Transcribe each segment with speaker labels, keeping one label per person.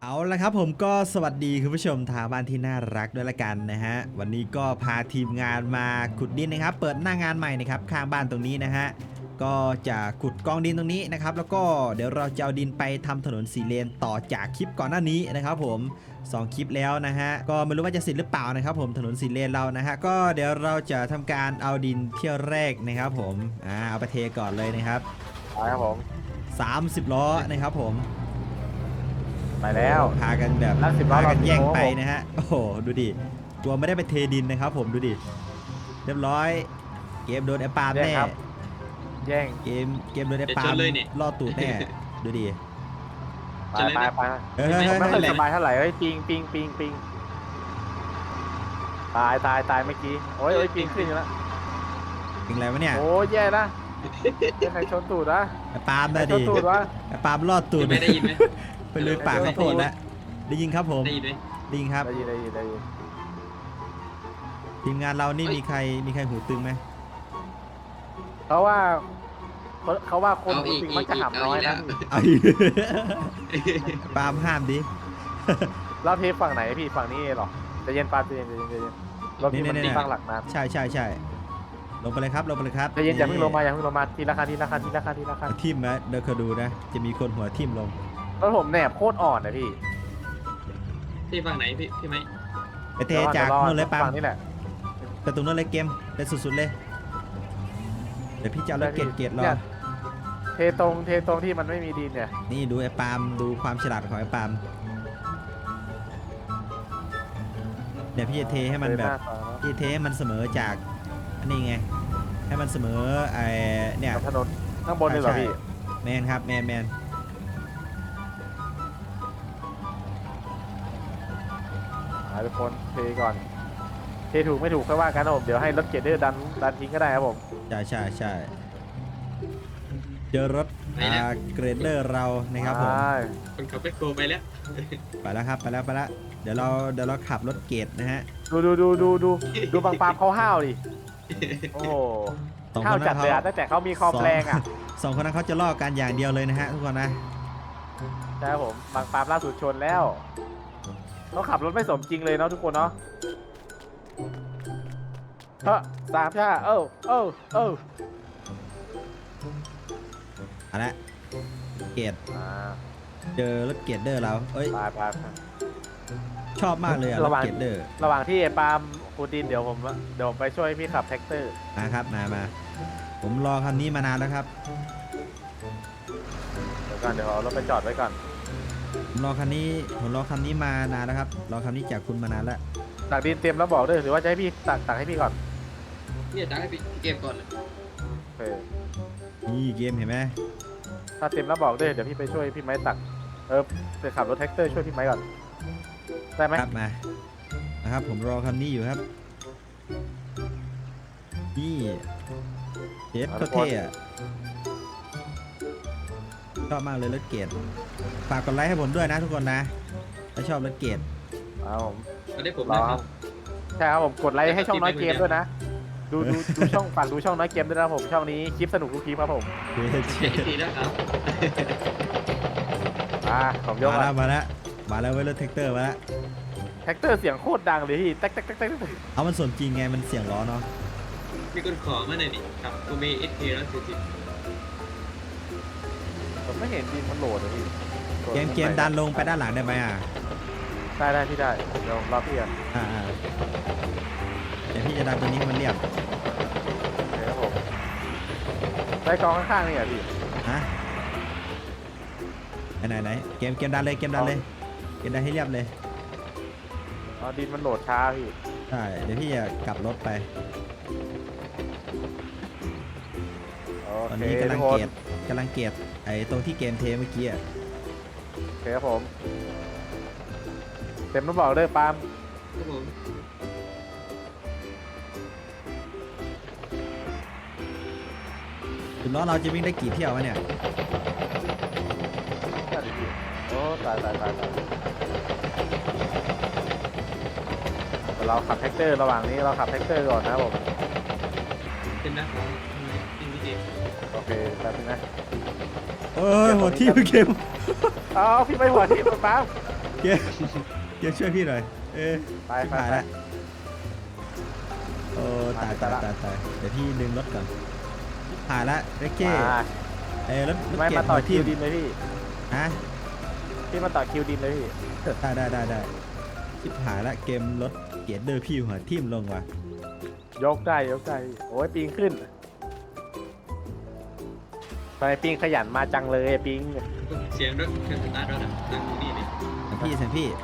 Speaker 1: เอาละครับผมก็สวัสดีคุณผู้ชมทางบ้านที่น่ารักด้วยละกันนะฮะวันนี้ก็พาทีมงานมาขุดดินนะครับเปิดหน้างานใหม่นะครับข้างบ้านตรงนี้นะฮะก็จะขุดกองดินตรงนี้นะครับแล้วก็เดี๋ยวเราจะเอาดินไปทำถนน4 เลนต่อจากคลิปก่อนหน้านี้นะครับผม2 คลิปแล้วนะฮะก็ไม่รู้ว่าจะเสร็จหรือเปล่านะครับผมถนน4 เลนเรานะฮะก็เดี๋ยวเราจะทำการเอาดินเที่ยวแรกนะครับผมเอาไปเทก่อนเลยนะครับ
Speaker 2: ครับผม
Speaker 1: 30 ล้อนะครับผม
Speaker 2: ไปแล้ว
Speaker 1: พากันแบบ
Speaker 2: แล้ว10 ล้อ
Speaker 1: พากันแย่งไป
Speaker 2: เรา
Speaker 1: นะฮะโอ้โหดูดิตัวไม่ได้ไปเทดินนะครับผมดูดิเรียบร้อยเกมโดนไอ้ปาล์มแน่
Speaker 2: แย่ง
Speaker 1: เกมโดนไอ้ปาล์มล่อตูดแน่ดูดิ
Speaker 2: ไป
Speaker 1: เฮ้ย
Speaker 2: ไม่ค่อยสบายเท่าไหร่เฮ้ยปิงตายเมื่อกี้โอ้ยปิงขึ้นอยู่แล้ว
Speaker 1: เป็นไรวะเนี่ย
Speaker 2: โอ้ยแย่นะใครชนตูดนะ
Speaker 1: ไอ้ปาล์ม
Speaker 2: ใคร
Speaker 1: นะ
Speaker 2: ช
Speaker 1: ดิ
Speaker 2: นตูดวะ
Speaker 1: ไอ้ปาล์มล่อตูด
Speaker 3: ไม่ได้ยินไหม
Speaker 1: ไปเลยปากข้าวโพดแล้วได้ยินครับผม
Speaker 3: ได้ยินไหม
Speaker 1: ได้ยินครับ
Speaker 2: ได้ยิน
Speaker 1: ทีมงานเรานี่มีใครหูตึงไหม
Speaker 2: เพราะว่าคนหูปิงมักจะหำน้อยนะ
Speaker 1: เอาอีกปาล์มห้ามดิ
Speaker 2: เราเทฝั่งไหนพี่ฝั่งนี้หรอจะเย็นปาล์มจะเย็นรถที่มันตั้งหลักน้ำ
Speaker 1: ใช่ลงไปเลยครับ
Speaker 2: จะเย็นอย่าเพิ่งลงมาทีละคัน
Speaker 1: ทิ่มนะเดี๋ยวเขาดูนะจะมีคนหัวทิ่มลง
Speaker 2: รถผมแหนบโคตรอ่อนนะพี่
Speaker 3: ที่ฝั่งไหนพี่ไหม
Speaker 1: ไปเทจากนู่นเลยปาล์ม
Speaker 2: ฝั่งนี้แหละ
Speaker 1: ไปตรงนู้นเลยเกมไปสุดๆเลยเดี๋ยวพี่จะเอารถเกรดรอ
Speaker 2: เทตรงที่มันไม่มีดินเนี่ย
Speaker 1: นี่ดูไอ้ปาล์มดูความฉลาดของไอ้ปาล์มเดี๋ยวพี่จะเทให้มันแบบพี่เทให้มันเสมอจากอันนี้ไงให้มันเสมอไอ้เนี่ย
Speaker 2: ถนนข้างบนเลยเหรอพี่
Speaker 1: แมนครับแมน
Speaker 2: ทุกคนเทก่อนเทถูกไม่ถูกค่อยว่ากันนะผมเดี๋ยวให้รถเกรดเดอร์ดันทิ้งก็ได้ครับผม
Speaker 1: ใช่เจอรถเกรดเดอร์เรานะครับผม
Speaker 3: คนขับแบ็คโฮไปแล้ว
Speaker 1: ไปแล้วครับไปแล้วเดี๋ยวเราขับรถเกรดนะฮะ
Speaker 2: ดูบางปามเขาห้าวดิโอ้โหห้าวจัดเลยอ่ะตั้งแต่เขามีคอมแรงอ่ะ
Speaker 1: สองคนนั้นเขาจะล่อกันอย่างเดียวเลยนะฮะทุกคนนะ
Speaker 2: ใช่ครับผมบางปามล่าสุดชนแล้วเขาขับรถไม่สมจริงเลยเนาะทุกคนเนาะเพราะ3 ชาเออ
Speaker 1: เอาละเกรด
Speaker 2: อ่า
Speaker 1: เจอรถเกรดเดอร์เราเอ้ย
Speaker 2: ไป
Speaker 1: ชอบมากเลยอะรถเกรดเดอร์
Speaker 2: ระหว่างที่ไอ้ปาล์มปูดินเดี๋ยวผมไปช่วยพี่ขับแท็กเตอร์
Speaker 1: นะครับมาผมรอคันนี้มานานแล้วครับ
Speaker 2: เดี๋ยวเอารถไปจอดไว้ก่อน
Speaker 1: ผมรอคันนี้มานานแล้วครับรอคันนี้จากคุณมานานแล้ว
Speaker 2: ตักดินเตรียมแล้วบอกด้วยหรือว่าจะให้พี่ตักให้พี่ก่อน
Speaker 3: เนี่ยจ้าให้พี่เกมก่อน
Speaker 2: โอเค
Speaker 1: นี่เกมเห็นไหม
Speaker 2: ถ้าเตรียมแล้วบอกด้วยเดี๋ยวพี่ไปช่วยพี่ไม้ตักไปขับรถแท็กเตอร์ช่วยพี่ไม้ก่อนได้ไหม
Speaker 1: ครับมานะครับผมรอคันนี้อยู่ครับนี่เจ็ดโคตรเท่อะชอบมากเลยรถเกรดฝากกดไลค์ให้ผมด้วยนะทุกคนนะถ้าชอบรถเกรด
Speaker 2: เอาผม
Speaker 3: มาได้ผม
Speaker 2: รอ
Speaker 3: นะค
Speaker 2: ค
Speaker 3: รั
Speaker 2: รั
Speaker 3: บบ
Speaker 2: ใช่ครับผมกดไลค์ให้ช่องน้อยเกมด้วยนะดูช่องฝากดูช่องน้อยเกมด้วยนะผมช่องนี้คลิปสนุกทุกคลิปครับผม
Speaker 1: เฮ้ย
Speaker 3: ดีนะครับ
Speaker 2: ผมยก
Speaker 1: มาแล้วเว้ยรถแท็กเตอร์มาแล้ว
Speaker 2: แท็กเตอร์เสียงโคตรดังเลยพี่แท็ก
Speaker 1: เอามันสมจริงไงมันเสียงล้อเนาะ
Speaker 3: มีคนขอมาหน่อยดิครับกูมี SK แล้ว40
Speaker 2: ผมไม่เห็นดินมันโหลดเลยพี่
Speaker 1: เกมดันลงไปด้านหลังได้ไหม
Speaker 2: ได้พี่ได้เดี๋ยวรอพี่กัน
Speaker 1: เดี๋ยวพี่จะดันตัวนี้ให้มันเรียบ
Speaker 2: ครับผมได้กองข้างๆนี่อ่ะพี่
Speaker 1: ฮะไหนเกมดันเลยเกมดันให้เรียบเลย
Speaker 2: ดินมันโหลดช้าพี่
Speaker 1: ใช่เดี๋ยวพี่จะกลับรถไป
Speaker 2: โอ
Speaker 1: ตอน
Speaker 2: เค
Speaker 1: นี้กำลั
Speaker 2: ทุ
Speaker 1: ง
Speaker 2: กค
Speaker 1: เก
Speaker 2: น
Speaker 1: ตไอ้ตรงที่เกมเทเมื่อกี้อะ
Speaker 2: โอเคครับผมเต็มต้องบอกเลยปาล์ม
Speaker 3: ครับผม
Speaker 1: ถึงล้อเราจะวิ่งได้กี่เที่ยววะเนี่ย
Speaker 2: โอ้ตายเราขับแท็กเตอร์ระหว่างนี้เราขับแท็กเตอร์ก่อนนะครับผม
Speaker 3: เป็นนะครับจริงพี่เกม
Speaker 2: โอเคแป๊บนึงนะ
Speaker 1: โอ้ยหัวที่เกม
Speaker 2: เอาพี่ไปหัวที่ปาล์ม
Speaker 1: เกมเกมช่วยพี่หน่อย
Speaker 2: ไป
Speaker 1: ชิบหายละโอ้ตายเดี๋ยวพี่ดึงรถก่อนหายละเรเก้รถ
Speaker 2: ไม่
Speaker 1: เก็บ
Speaker 2: มาต่อ
Speaker 1: หัว
Speaker 2: คิ
Speaker 1: ทิ่
Speaker 2: ว
Speaker 1: ม
Speaker 2: ดินเลยพี่
Speaker 1: ฮะ
Speaker 2: พี่มาต่อคิวดินเลยพี่
Speaker 1: ได้ชิบหายละเกมรถเกียร์เดอร์พี่หัวทิ่มลงว่ะ
Speaker 2: ยกได้โอ้ยปิงขึ้นทำไมปิงขยันมาจังเลยปิง
Speaker 3: เสียงรถเครื่องสตาร์ทรถอะนั่งอยู่นี่นี่
Speaker 1: เซนพี่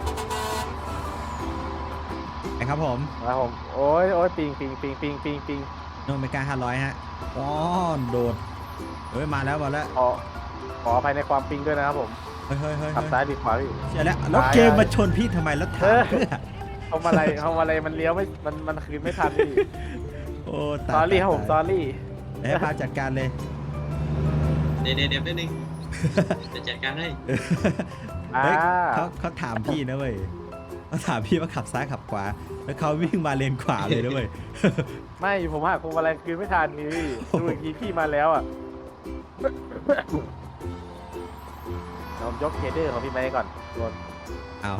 Speaker 1: ไอครับผม
Speaker 2: ครับผมโอ้ยปิง
Speaker 1: โนเมกา500ฮะอ๋อโดดมาแล้ว
Speaker 2: ขออภัยในความปิงด้วยนะครับผม
Speaker 1: เฮ้ย
Speaker 2: ขับซ้ายดีขวาพี่
Speaker 1: เชื่อแล้วแล้วเกมมาชนพี่ทำไมแล้วถามเพื่อ
Speaker 2: ทำอะไรมันเลี้ยวไม่มันคืนไม่ทันพี่
Speaker 1: โอ้
Speaker 2: ซอรี่ครับผมซอรี่
Speaker 1: ให้พาจัดการเลย
Speaker 3: เดี๋ยวแป๊บนึงจะจัดการให้
Speaker 1: เฮ้ยเขาถามพี่นะเว้ยเขาถามพี่ว่าขับซ้ายขับขวาแล้วเขาวิ่งมาเลนขวาเลยนะเว้ย
Speaker 2: ไม่ผมหักพวงมาลัยคืนไม่ทันพี่ดูอีกทีพี่มาแล้วอ่ะเรายกเคเดอร์ของพี่ไม้ก่อนตัว
Speaker 1: เอา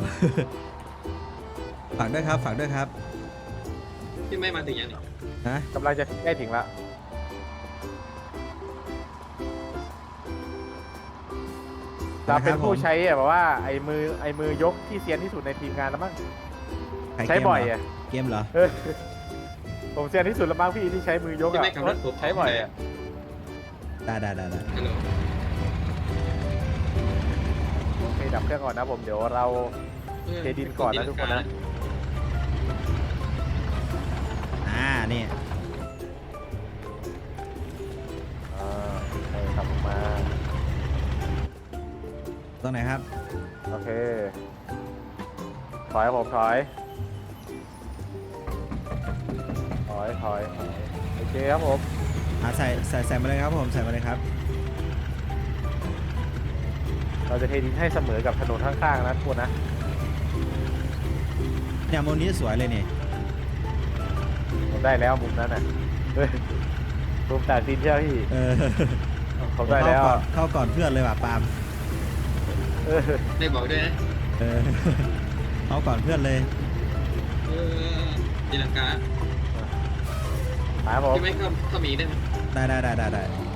Speaker 1: ฝากด้วยครับ
Speaker 3: พี่ไม่มาถึงยังนี่
Speaker 1: นะ
Speaker 2: กำลังจะใกล้ถึงละเราเป็นผู้ใช้แบบว่าไอ้มือยกที่เซียนที่สุดในทีมงานแล้วมั้งใช้บ่อยอ่ะ
Speaker 1: เกมเหรอ
Speaker 2: ผมเซียนที่สุดแล้วมั้งพี่ที่ใช้มือยก
Speaker 3: พี่
Speaker 2: อ่ะ
Speaker 3: ไม่ขับรถผม
Speaker 2: ใช้บ่อยอ่ะ
Speaker 1: ได้
Speaker 3: ฮัลโหล
Speaker 2: โอเคดับเครื่องก่อนนะผมเดี๋ยวเราเทดินก่อนนะทุกคนนะ
Speaker 1: นี่
Speaker 2: ให้ขับมา
Speaker 1: ตรงไหนครับ
Speaker 2: โอเคถอยผมถอยโอเคครับผม
Speaker 1: ใส่มาเลยครับผมใส่มาเลยครับ
Speaker 2: เราจะเทดินให้เสมอกับถนนข้างๆนะทุกคนนะ
Speaker 1: เนี่ยมุมนี้สวยเลยนี่
Speaker 2: ผมได้แล้วมุมนั้นน่ะมุมตัดดินใช่ไหมพี่ผมได้แล้ว
Speaker 1: เข้าก่อนเพื่อนเลยว่ะปาล์ม
Speaker 3: ได้บอกด้วยนะ
Speaker 1: เข้าก่อนเพื่อนเลย
Speaker 3: ตีลังกา
Speaker 2: ครับผม
Speaker 3: พี่ไม่เข้ามีได้ไหม
Speaker 1: ได้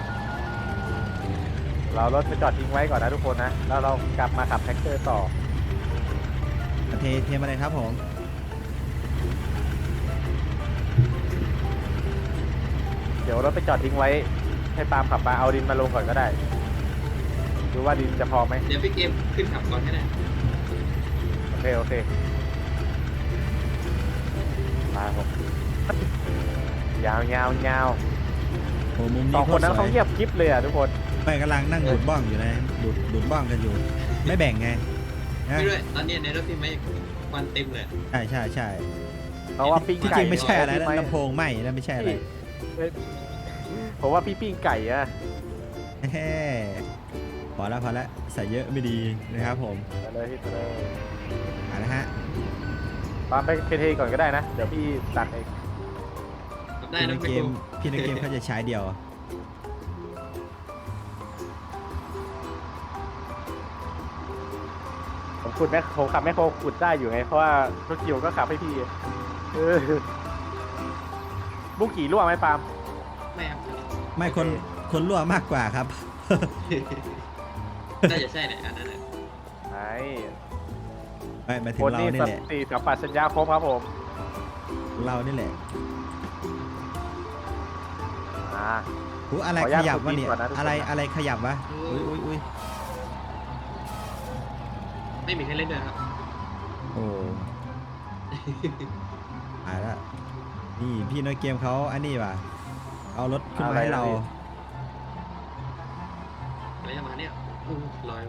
Speaker 2: เรารถไปจอดทิ้งไว้ก่อนนะทุกคนนะแล้วเรากลับมาขับแท็กเตอร์ต่อ
Speaker 1: เทมาเลยครับผม
Speaker 2: เดี๋ยวรถไปจอดทิ้งไว้ให้ปาล์มขับมาเอาดินมาลงก่อนก็ได้ดูว่าดินจะพอไหม
Speaker 3: เดี๋ยวพี่เกมขึ้นขับก่อนก็ได้
Speaker 2: โอเคมาผมยาว
Speaker 1: โอ้มุม
Speaker 2: ส
Speaker 1: นี้
Speaker 2: องคนนั้น
Speaker 1: โตรส
Speaker 2: เขา
Speaker 1: วย
Speaker 2: เงียบกริบเลยอ่ะทุกคน
Speaker 1: ไม่กำลังนั่งดูดบ้องอยู่นะดูดบ้องกันอยู่ ไม่แบ่งไงนะ
Speaker 3: พี่ด้วยตอนนี้ในรถพี่ไม่ควันเต็มเลย
Speaker 1: ใช่
Speaker 2: เพราะว่าปิ้ง
Speaker 1: ที่
Speaker 2: ไก่
Speaker 1: จริงไม่ใช่อะไรนะ
Speaker 2: พี่
Speaker 1: ลำโพงไหมนะไม่ใช่อะไร
Speaker 2: ผมว่าพี่ปิ้งไก่อะ
Speaker 1: แฮ่พอแล้วใส่เยอะไม่ดีนะครับผม
Speaker 2: ไปเลยพี่ไปเลย
Speaker 1: นะฮะ
Speaker 2: ปาล์มไปเทก่อนก็ได้นะเดี๋ยวพี่ตักเอง
Speaker 3: ขับได้
Speaker 1: พี่
Speaker 3: นะ
Speaker 1: ในเกมเขาจะใช้เดียว
Speaker 2: ผมขับแมคโครขุดได้อยู่ไงเพราะว่ารถเกี่ยวก็ขับให้พี่บุ้งกี่รั่วไหมปาล์ม
Speaker 3: ไม่ครับ
Speaker 1: ไม่คนรั่วมากกว่าครับ
Speaker 3: น่าจะใช่เนี่ยอันนั้น
Speaker 2: ไอ้
Speaker 1: ไม่หมายถึ
Speaker 2: ค
Speaker 1: ง
Speaker 2: น
Speaker 1: เรา
Speaker 2: นี้
Speaker 1: นี่แหละ
Speaker 2: สติสัมปชัญญะครบครับผม
Speaker 1: เรานี่แหละ
Speaker 2: อ่า
Speaker 1: อะไร
Speaker 2: ขออนุ
Speaker 1: ข
Speaker 2: ญาต
Speaker 1: ยับวะเนี่ย
Speaker 2: ขุดดินก่อนนะทุกคน
Speaker 1: อะไรขยับวะอุ้ย
Speaker 3: ไม่มีใครเล่นด้วยครับ
Speaker 1: โอ้หายละนี่พี่น้อยเกมเขาอันนี้ว่ะเอารถขึ้นมาให้เรา
Speaker 3: อะไรประมาณเนี้ยลอยมา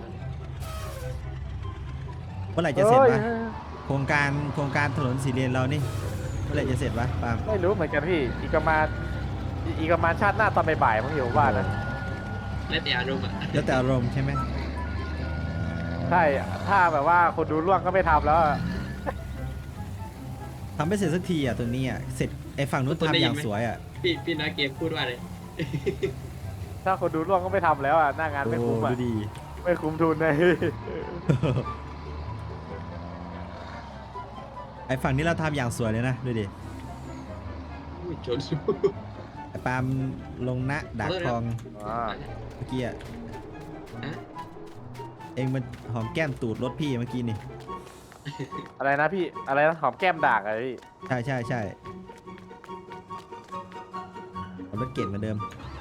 Speaker 1: เมื่อไหร่จะเสร็จวะโครงการถนนสีเลนเรานี่เมื่อไหร่จะเสร็จวะปาล์ม
Speaker 2: ไม่รู้เหมือนกันพี่อีกประมาณชาติหน้าตอนบ่ายๆมั้งอยู่ว่านะ
Speaker 3: แล้วแต่อารมณ์อ่ะ
Speaker 1: แล้วแต่อารมณ์ใช่ไหม
Speaker 2: ใช่ถ้าแบบว่าคนดูร่วงก็ไม่ทำแล้วอะ
Speaker 1: ทำไม่เสร็จสักทีอ่ะตัวนี้อ่ะเสร็จไอ้ฝั่งนู้นทำอย่างสวยอ่ะ
Speaker 3: พี่น้อยเกมพูดว่าอะไร
Speaker 2: ถ้าคนดูร่วงก็ไม่ทำแล้วอ่ะหน้างานไม่คุ้มอ่ะ
Speaker 1: ดูดี
Speaker 2: ไม่คุ้มทุนเลย
Speaker 1: ไอ้ฝั่งนี้เราทำอย่างสวยเลยนะดูดิ
Speaker 3: อุ้ยชน
Speaker 1: ไอ้ปาล์มลงนะดักคลอง
Speaker 2: อ่า
Speaker 1: เมื่อกี้อะ
Speaker 3: ฮะ
Speaker 1: เองมันหอมแก้มตูดรถพี่เมื่อกี้นี่
Speaker 2: อะไรนะพี่อะไรนะหอมแก้มด่างอะไรพี่
Speaker 1: ใช่ใช่ใช่เอารถเก่งเหมือนเดิม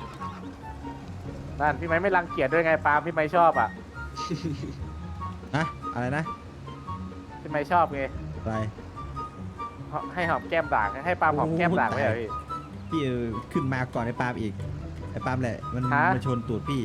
Speaker 2: นั่นพี่ไม้ไม่รังเกียจด้วยไงปาล์มพี่ไม้ชอบอ่ะ
Speaker 1: นะอะไรนะ
Speaker 2: พี่ไม้ชอบไง
Speaker 1: อะไร
Speaker 2: ให้หอมแก้มด่างให้ปาล์มหอมแก้มด่างไหมเหรอพี่
Speaker 1: พี่ขึ้นมาก่อนไอ้ปาล์มอีกไอ้ปาล์มแหละมัน
Speaker 2: ฮะ
Speaker 1: มาชนตูดพี่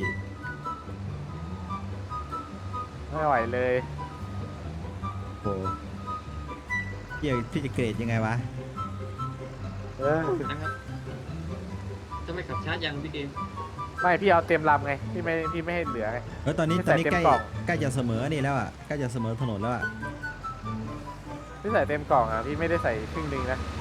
Speaker 2: ไม่ไหวเลย
Speaker 1: โอ้พี่จะเกรดยังไงวะ
Speaker 2: เออ
Speaker 3: นะครับจะไม่ขับช้ายังพี่เกม
Speaker 2: ไม่พี่เอาเต็มลำไงพี่ไม่ให้เหลือไง
Speaker 1: ตอนนี้
Speaker 2: ไม่
Speaker 1: ต
Speaker 2: ใส่
Speaker 1: อนนี้
Speaker 2: เต็ม
Speaker 1: ใกล้
Speaker 2: กล่อง
Speaker 1: ใกล้จะเสมอนี่แล้วอ่ะใกล้จะเสมอถนนแล้วอ่ะ
Speaker 2: พี่ใส่เต็มกล่องอ่ะพี่ไม่ได้ใส่ครึ่งหนึงนะ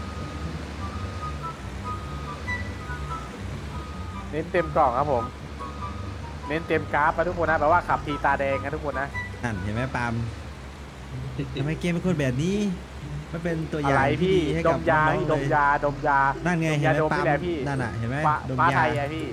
Speaker 2: เน้นเต็มกล่องครับผมเน้นเต็มกราฟนะทุกคนนะแปลว่าขับทีตาแดงนะทุกคนนะ
Speaker 1: นั่นเห็นไหมปาล์มทำไมเกมเป็นคนแบบนี้มันเป็นตัวอ
Speaker 2: อะ
Speaker 1: ย่า
Speaker 2: ไรง
Speaker 1: ที่
Speaker 2: พี่
Speaker 1: ดีให้
Speaker 2: ด
Speaker 1: กับ
Speaker 2: มยา
Speaker 1: น้อง
Speaker 2: พี่
Speaker 1: ๆ
Speaker 2: ด
Speaker 1: เล
Speaker 2: ม
Speaker 1: ย
Speaker 2: ยาดมยา
Speaker 1: นั่นไงเห็นไหม
Speaker 2: ดม
Speaker 1: ปาล์
Speaker 2: นี่แหละพี่
Speaker 1: นั่นน่ะเห็นไหม
Speaker 2: ฟ้า
Speaker 1: ดม
Speaker 2: ฟ้าย
Speaker 1: า
Speaker 2: ไทยอะพี่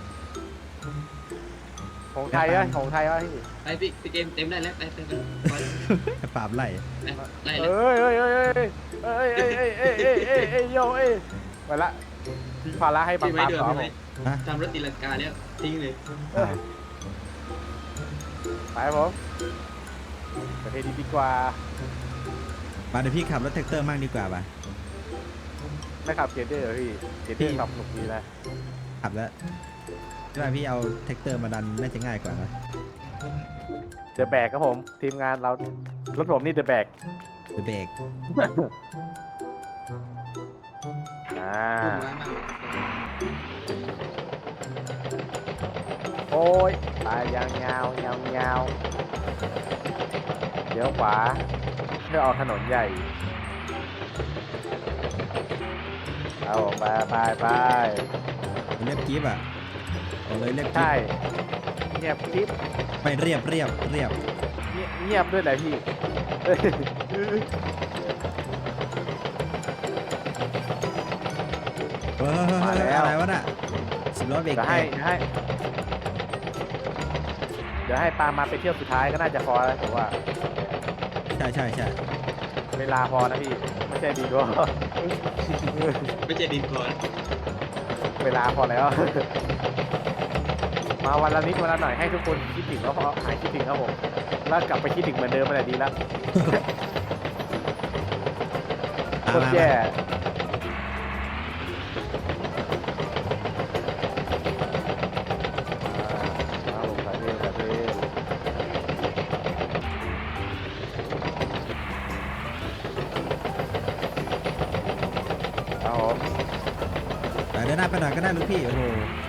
Speaker 2: ของไทยวะของไทยวะพี่
Speaker 3: ไปพี่เกมเต็มได้แล้วไปไป
Speaker 1: ไอ้ปาล์มไล่
Speaker 3: ไล่แล้ว
Speaker 2: เอ้ยเอ้ยเอ้ยเอ้ยเอ้ยเอ้ยเอ้ยเอ้ยเอ้ยเอ้ยเอ้ยโยเอ้ยไปละทิ้งภาระให้บาง
Speaker 3: พี่ไม่
Speaker 2: ปาม
Speaker 3: เดือด
Speaker 2: ต่อ
Speaker 3: พี่
Speaker 2: ผม
Speaker 3: ไม่
Speaker 1: ฮะ
Speaker 3: ทำรถตีลังกาแล้วทิ้งเลย
Speaker 1: อ้าว
Speaker 2: ไปผมประเทศดีกว่า
Speaker 1: มาเดี๋ยวพี่ขับรถแท็กเตอร์มั่งดีกว่าป่ะ
Speaker 2: ไม่ขับเกียร์เดอร์เหรอพี่เกียร์เดอร์ขับสนุกดีนะ
Speaker 1: ขับแล้วใช่ไหมพี่เอาแท็กเตอร์มาดันน่าจะง่ายกว่านะ
Speaker 2: เดอะแบกครับผมทีมงานเรารถผมนี่เดอะแบก
Speaker 1: เดี๋ยวเบรก
Speaker 2: อ่า
Speaker 3: พุ่งมามาก
Speaker 2: โอ้ยไปยางยาวยาวยาวเดี๋ยวขวาเพื่อออกถนนใหญ่เอาไปไปไป
Speaker 1: เรียบกิ๊บอ่ะเอาเลยเรียบกิ๊
Speaker 2: ใช่
Speaker 1: บ
Speaker 2: เงียบคลิป
Speaker 1: ไม่เรียบเรียบเรียบ
Speaker 2: เงียบด้วยแหละพี่เอ้ย
Speaker 1: อะไรวะน่ะสิบล้อเบรก
Speaker 2: เดี๋ยว
Speaker 1: แต
Speaker 2: ให้
Speaker 1: ก
Speaker 2: เดี๋ยวให้ปามาไปเที่ยวสุดท้ายก็น่าจะพอแล้วผมว่า
Speaker 1: ใช่ใช่ใช่
Speaker 2: เวลาพอนะพี่ไม่ใช่ดีด้วย
Speaker 3: ไม่ใช่ดินก่อน
Speaker 2: เวลาพอแล้ว มาวันละนิดวันละหน่อยให้ทุกคนคิดถึงแล้วพอหายคิดถึงครับผมแล้วกลับไปคิดถึงเหมือนเดิมมันแหละดีแล้วโคตรแย่เอาผมไปเรื่อยไปเรื่อยเอาผม
Speaker 1: แต่เดินหน้าไปหน่อยก็ได้ลูกพี่โอ้โห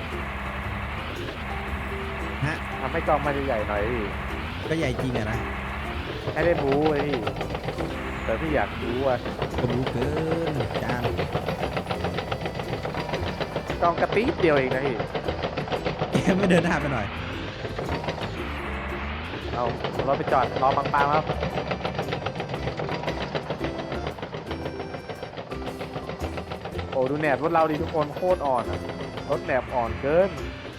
Speaker 1: ฮะ
Speaker 2: ทำให้กล้องมันใหญ่ๆหน่อยพี่
Speaker 1: ก็ใหญ่จริงอะนะ
Speaker 2: ให้ได้บู๊เลยพี่แต่พี่อยากบู๊อ่ะ
Speaker 1: ก็รู้เกินจาน
Speaker 2: กล้องกระติ๊บเดียวเองนะพี่
Speaker 1: ไม่เดินหน้าไปหน่อย
Speaker 2: เอารถไปจอดรอปังๆครับโอ้ดูแหนบรถเราดิทุกคนโคตรอ่อนอะรถแหนบอ่อนเกิน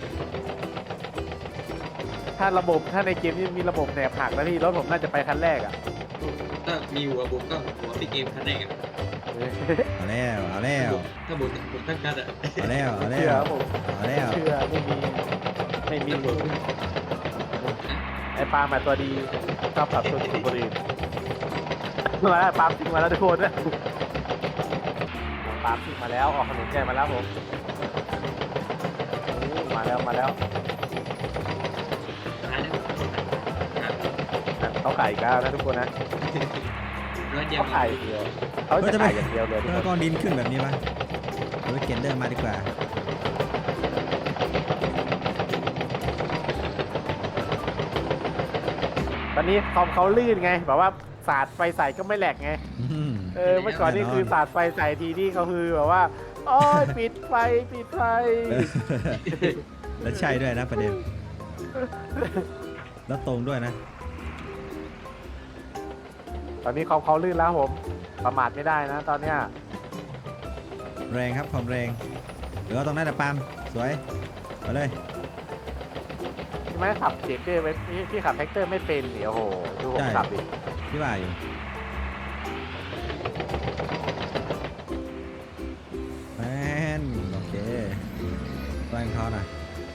Speaker 2: ถ้าในเกมนี้มีระบบแหนบหักแล้วพี่รถผมน่าจะไปคันแรกอ่ะ
Speaker 3: ถ้ามีหัวบุกก็หัวพี่เกมคันแรกอะ
Speaker 1: เอาแล้วเอาแล้ว
Speaker 3: ถ้าบุกทั้งคันอะ
Speaker 1: เอาแล้วเอาแล้
Speaker 2: เชื่อ
Speaker 1: ว
Speaker 2: ผม
Speaker 1: เอาแล้ว
Speaker 2: เชื่อไม่มี
Speaker 3: บุก
Speaker 2: ไอ้ปาล์มมาตัวดีชอบขับตัวคนอื่นมาแล้วปาล์มทิ้งมาแล้วทุกคนนะปาล์มทิ้งมาแล้วออกถนนใหญ่มาแล้วผมมาแล้ว
Speaker 3: ตายแล้ว
Speaker 2: เขาขายอีกแล้วนะทุกคนนะ
Speaker 3: ร้อยเดียว
Speaker 2: เขาขายอย่างเดียวเขาจะขายอย่างเดียวเลยทุก
Speaker 1: แล้ว
Speaker 2: ค
Speaker 1: ก็
Speaker 2: น
Speaker 1: ดินขึ้นแบบนี้ปะเอารถเกนเดอร์มาดีกว่า
Speaker 2: ตอนนี้คอมเขาลื่นไงแบบว่าสาดไฟใส่ก็ไม่แหลกไง
Speaker 1: อืม
Speaker 2: เมื่อก่อนนี่คือสาดไฟใส่ทีนี่เขาคือแบบว่าโอ้ยปิดไฟ
Speaker 1: แล้วใช่ด้วยนะประเด็น แล้วตรงด้วยนะ
Speaker 2: ตอนนี้คอมเขาลื่นแล้วผมประมาทไม่ได้นะตอนเนี้ย
Speaker 1: แรงครับความแรงเดี๋ยวตรงนั้นแหละปาล์มสวยไปเลย
Speaker 2: ใช่ไหมขับเจเกอร์พี่ขับแท็กเตอร์ไม่เป็นเดี๋ยวโอ้โหดูผมขับดิ
Speaker 1: พี่ว่าอยู่แมนโอเคแรงเขานะ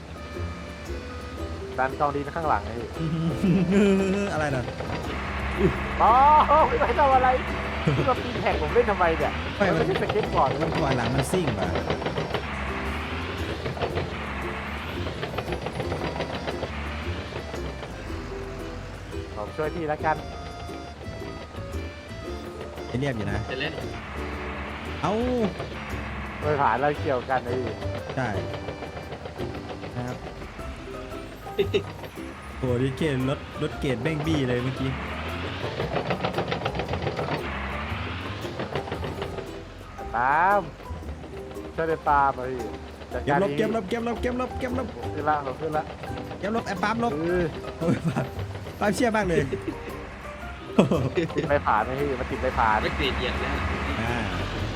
Speaker 2: ดันกองดินข้างหลังไอ้
Speaker 1: อะไรน่ะ
Speaker 2: อ๋อไม่ไปทำอะไรที่มาปีนแท็กผมเล่นทำไมเนี่ยมันไม่ใช่สเก็ตบอร์ด
Speaker 1: มันปล่อยหลังมันซิ่งว่ะ
Speaker 2: ผมช่วยพี่แล้วกัน
Speaker 1: เรียบอยู่นะ
Speaker 3: จะเล่น
Speaker 1: เอ้า
Speaker 2: โดยผ่านเราเกี่ยวกันไอ้
Speaker 1: ใช่ครับโอ้ดิเกตรถเกตแบงบี้เลยเมื่อกี้
Speaker 2: ตามช่วยเดินตามเลยจัด
Speaker 1: เก็
Speaker 2: กา
Speaker 1: บ
Speaker 2: ร
Speaker 1: ลบ
Speaker 2: ดี
Speaker 1: เก็บลบเก็บลบเก็บลบเก็บลบ
Speaker 2: ขึ้นละผมขึ้นละ
Speaker 1: เก็บลบแอบปั๊มลบ
Speaker 2: เออ
Speaker 1: โอ้ยปั๊มเชี่ยมากเลยโอ้โห
Speaker 2: ติดไปผ่านไอ้พี่มาติดไปผ่าน
Speaker 3: ไม่เกลียดเหยียบแล้ว
Speaker 1: อ่า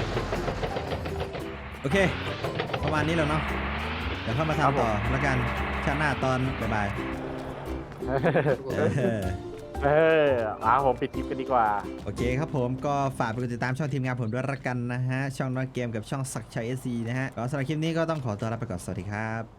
Speaker 1: โอเคประมาณนี้แล้วเนาะเดี๋ยวเข้ามาทำต่อแล้วกันชาติหน้าตอนบ่ายๆเออ
Speaker 2: มาผมปิดคลิปกันดีกว่า
Speaker 1: โอเคครับผมก็ฝากไปกดติดตามช่องทีมงานผมด้วยละกันนะฮะช่องน้อยเกมกับช่องสักชัยเอสซีนะฮะก็สำหรับคลิปนี้ก็ต้องขอตัวลาไปก่อนสวัสดีครับ